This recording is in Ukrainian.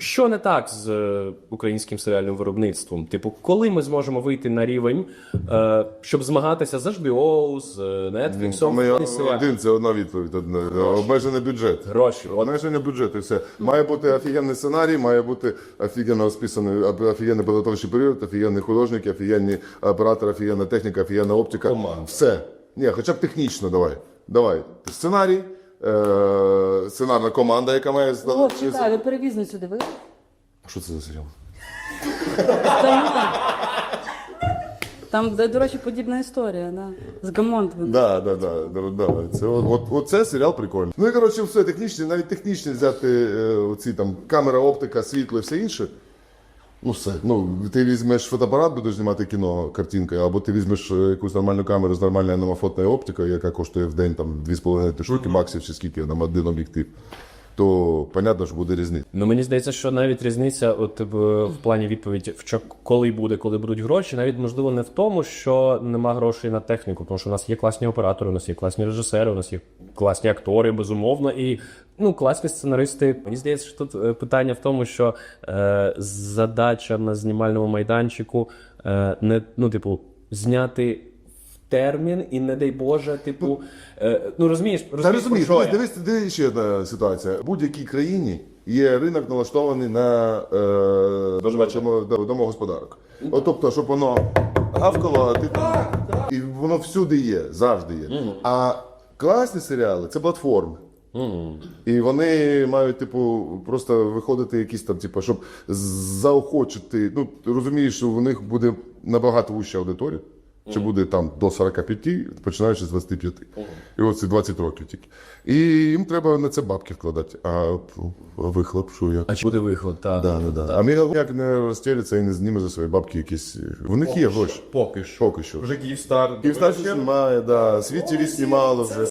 Що не так з українським серіальним виробництвом? Типу, коли ми зможемо вийти на рівень, щоб змагатися з HBO, з Netflix? Один, це одна відповідь. Обмежений бюджет. Гроші. Обмеження бюджету і все. Має бути офігенний сценарій, має бути офігенно розписаний, офігенний підготовчий період, офігенні художники, офігенні оператори, офігенна техніка, офігенна оптика. Все. Ні, хоча б технічно давай. Давай. Сценарій, сценарна команда, яка має... О, чекай, ви перевізницю дивились? Що це за серіал? Там, до речі, подібна історія, да. З Гамонтовим. Да. Це, оце серіал прикольний. Ну і коротше, все технічне, навіть технічне взяти оці там камера, оптика, світло і все інше. Ну все. Ну, ти візьмеш фотоапарат, будеш знімати кіно картинкою, або ти візьмеш якусь нормальну камеру з нормальною аномофотною оптикою, яка коштує в день там 2,5 штуки баксів чи скільки, там один об'єктив. То, понятно, що буде різниця. Ну, мені здається, що навіть різниця от, в плані відповіді, коли будуть гроші, навіть, можливо, не в тому, що нема грошей на техніку, тому що у нас є класні оператори, у нас є класні режисери, у нас є класні актори, безумовно, і класні сценаристи. Мені здається, що тут питання в тому, що задача на знімальному майданчику зняти термін і, не дай Боже, розумієш, Дивись, ще одна ситуація. В будь-якій країні є ринок налаштований на домогосподарок. Тобто, щоб воно гавкало, а ти там... І воно всюди є, завжди є. А класні серіали – це платформи. І вони мають, просто виходити якісь там, щоб заохочити. Ну, розумієш, що у них буде набагато вища аудиторія. Чи буде там до 45, починаючи з 25. І ось це 20 років тільки. І їм треба на це бабки вкладати. А вихлоп, що як? А чи буде виход, так. Да. А Мігал як не розтєлиться і не зніме за свої бабки якісь... В них є гроші. Поки що. Поки що. Вже Київстар. Київстар знімає, да. Світ ТВ знімало вже.